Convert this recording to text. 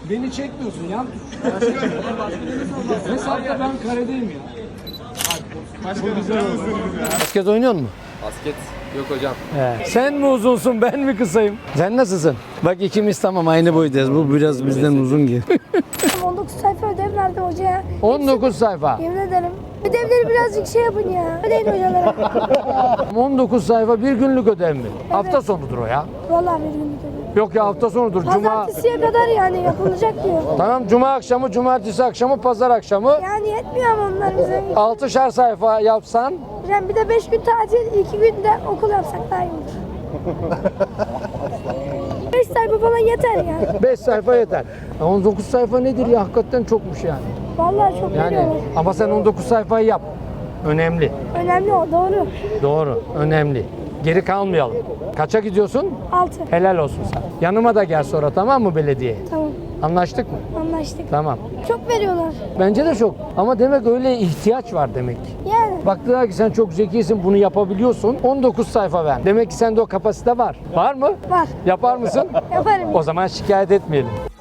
Beni çekmiyorsun yan tut. Hesapta ben karedeyim ya. Basket oynuyor musun? Basket yok hocam. Sen mi uzunsun ben mi kısayım? Sen nasılsın? Bak ikimiz tamam aynı boydayız. Bu biraz bizden uzun gibi. 19 sayfa ödev verdim hocaya. 19 sayfa. Yemin ederim. Ödevleri birazcık şey yapın ya. Ödeyin hocalara. 19 sayfa bir günlük ödev mi? Hafta sonudur o ya. Vallahi bir günlük ödev. Yok ya hafta sonudur. Cuma. Pazartesiye kadar yani yapılacak diyor. Tamam cuma akşamı, cumartesi akşamı, pazar akşamı. Yani yetmiyor ama onlar bize. 6'şar sayfa yapsan Yani bir de 5 gün tatil, 2 gün de okul yapsak daha iyi olur. 5 sayfa falan yeter ya. 5 sayfa yeter. 19 sayfa nedir ya? Hakikaten çokmuş yani. Vallahi çok Yani veriyorlar. ama sen 19 sayfayı yap. Önemli. Önemli o, doğru. Doğru. Önemli. Geri kalmayalım. Kaça gidiyorsun? 6. Helal olsun sana. Yanıma da gel sonra tamam mı belediyeye? Tamam, Anlaştık mı? anlaştık. Tamam. Çok veriyorlar. Bence de çok. Ama demek öyle ihtiyaç var demek ki. Yani. Baktılar ki sen çok zekisin, bunu yapabiliyorsun. 19 sayfa ver. Demek ki sende o kapasite var. Var mı? Var. Yapar mısın? Yaparım. O zaman şikayet etmeyelim.